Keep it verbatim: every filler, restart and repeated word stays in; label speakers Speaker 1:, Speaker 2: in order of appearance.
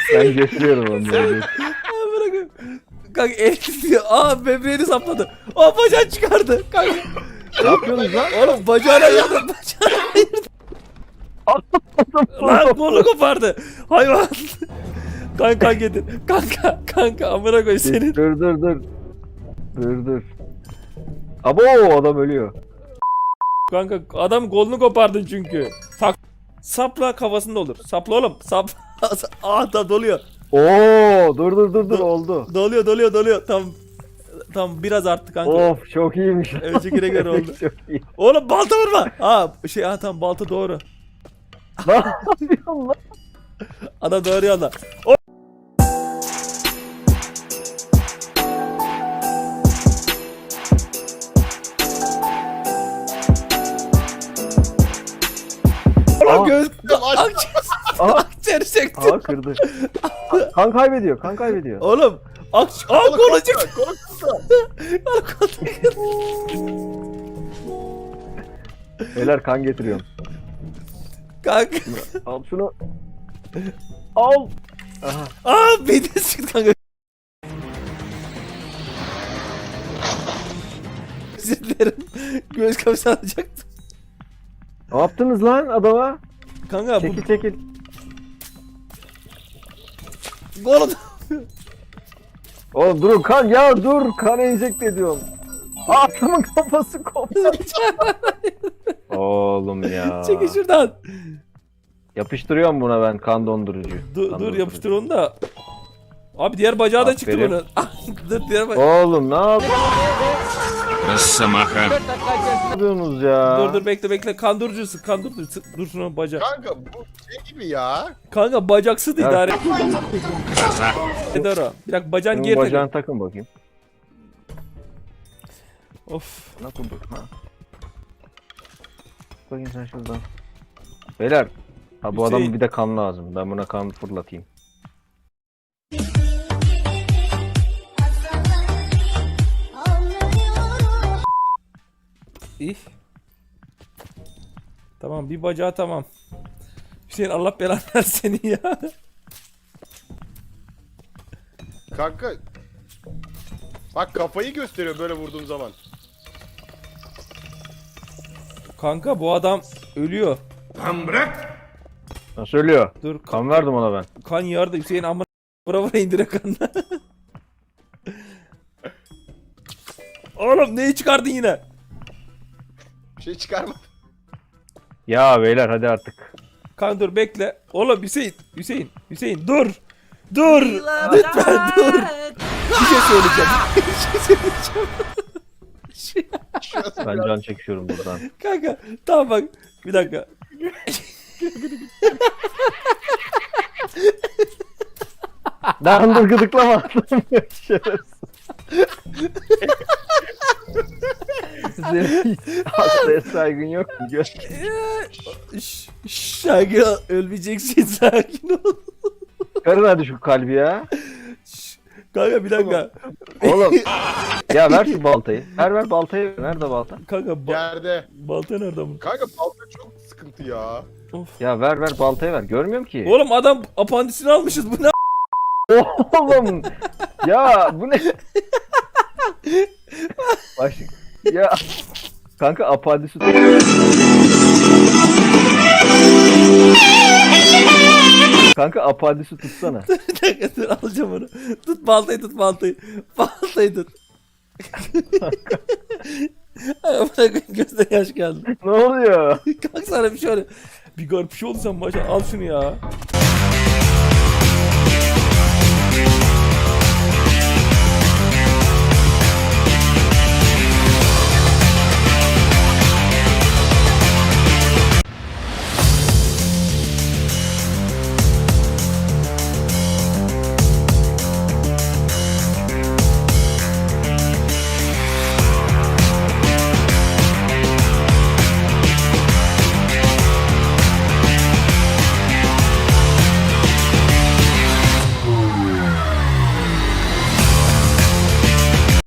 Speaker 1: Ben getiriyorum onları.
Speaker 2: Bırakın. Kanka el tutuyor. Aa böbreğini sapladı. Aa bacağı çıkardı. Kanka.
Speaker 1: Ne yapıyorsunuz lan?
Speaker 2: Oğlum bacağını ayırdı. Bacağını ayırdı. Lan kolu kopardı. Hayvan. Kanka kan getir. Kanka kanka amına koy senin.
Speaker 1: Dur dur dur. Dur dur. Abo adam ölüyor.
Speaker 2: Kanka adam kolunu kopardın çünkü. Tak. Sapla kafasında olur. Sapla oğlum. Sap. Aa da doluyor.
Speaker 1: Oo dur dur dur dur oldu.
Speaker 2: Doluyor doluyor doluyor. Tam tam biraz arttı kanka.
Speaker 1: Of çok iyiymiş.
Speaker 2: Öncekine göre oldu.
Speaker 1: Çok iyi.
Speaker 2: Oğlum balta vurma. Aa şey ha tamam balta doğru.
Speaker 1: Ne yapıyorsun lan?
Speaker 2: Adam doğru yolda. O Oğlum
Speaker 1: Aa.
Speaker 2: göz
Speaker 3: Aç.
Speaker 2: akciğer
Speaker 1: Aa,
Speaker 2: akciğer çekti.
Speaker 1: aa kırdı. Kan kaybediyor, kan kaybediyor.
Speaker 2: Oğlum akç aa
Speaker 3: Kolu
Speaker 2: kolu
Speaker 3: koptu,
Speaker 2: çıktı.
Speaker 3: kolu koptu.
Speaker 2: Kolu çıktı.
Speaker 1: Beyler kan getiriyorum.
Speaker 2: Kanka.
Speaker 1: Al şunu. Al. Aha.
Speaker 2: Aa beni çıktı kanka. Özür dilerim. Göz kapısı alacaktım.
Speaker 1: Ne yaptınız lan adama?
Speaker 2: Kanka bu
Speaker 1: Çekil çekil.
Speaker 2: kolu
Speaker 1: Oğlum durun kan ya dur kan enjekte ediyorum. Adamın kafası koptu. Oğlum ya.
Speaker 2: çekil şuradan.
Speaker 1: Yapıştırıyorum buna ben kan dondurucu.
Speaker 2: Dur
Speaker 1: Kan
Speaker 2: dur
Speaker 1: dondurucu.
Speaker 2: yapıştır onu da. Abi diğer bacağı da çıktı
Speaker 1: Aferin.
Speaker 2: bunun. Dur diğer bacağı.
Speaker 1: Oğlum ne yapıyorsunuz ya?
Speaker 2: Dur dur bekle bekle kandırıcısı kandırıcısı dur şuna bacak.
Speaker 3: Kanka bu şey gibi ya.
Speaker 2: Kanka bacaksız
Speaker 1: Ya.
Speaker 2: idare. Eder o. Bir dakika bacağın
Speaker 1: Bunun
Speaker 2: geri
Speaker 1: bacağını
Speaker 2: takın.
Speaker 1: takın bakayım.
Speaker 2: Of.
Speaker 1: Ne kurduk ha? Bakayım sen şuradan. Beyler. Ha bu
Speaker 2: Hüseyin.
Speaker 1: adamın bir de kan lazım. Ben buna kan fırlatayım.
Speaker 2: İyi. Tamam bir bacağı tamam. Hüseyin Allah belanı versin seni ya.
Speaker 3: Kanka. Bak kafayı gösteriyor böyle vurduğum zaman.
Speaker 2: Kanka bu adam ölüyor.
Speaker 1: Nasıl ölüyor?
Speaker 2: Dur kan,
Speaker 1: Kan verdim ona ben.
Speaker 2: kan yardı Hüseyin amma vura vura indire kanını. Oğlum neyi çıkardın yine?
Speaker 3: Bir şey çıkarma.
Speaker 1: Ya beyler hadi artık.
Speaker 2: Kan dur bekle. Oğlum Hüseyin, Hüseyin, Hüseyin dur. Dur. Lütfen dur. Bir şey söyleyeceğim. Bir şey söyleyeceğim.
Speaker 3: Şurası
Speaker 1: Ben
Speaker 3: biraz-
Speaker 1: can çekiyorum buradan.
Speaker 2: Kanka tamam bak. Bir dakika.
Speaker 1: Lan dur gıdıklama. Şerefsiz. Senin hastaya saygın yok mu? Gör.
Speaker 2: Şşş, şşş, sakin ol. Ölmeyeceksin sakin ol.
Speaker 1: Karın hadi şu kalbi ya.
Speaker 2: Şşş, kanka bir dakika.
Speaker 1: Oğlum. Ya ver şu baltayı. Ver ver baltayı. Nerede balta?
Speaker 2: Kanka ba
Speaker 3: Yerde.
Speaker 2: balta nerede bu?
Speaker 3: Kanka balta çok sıkıntı ya.
Speaker 2: Of.
Speaker 1: Ya ver ver baltayı ver. Görmüyorum ki.
Speaker 2: Oğlum adam apandisini almışız bu ne?
Speaker 1: Oğlum. Ya bu ne? Baş... Ya. Kanka apandisi. Kanka apandisi tutsana.
Speaker 2: Bir dakika dur alacağım onu. Tut baltayı tut baltayı. Baltayı tut. Ay bırakın gözde yaş geldi.
Speaker 1: Ne oluyor?
Speaker 2: Kalk sana bir şey oluyor. Bir garip bir şey oldu sen başa al şunu ya.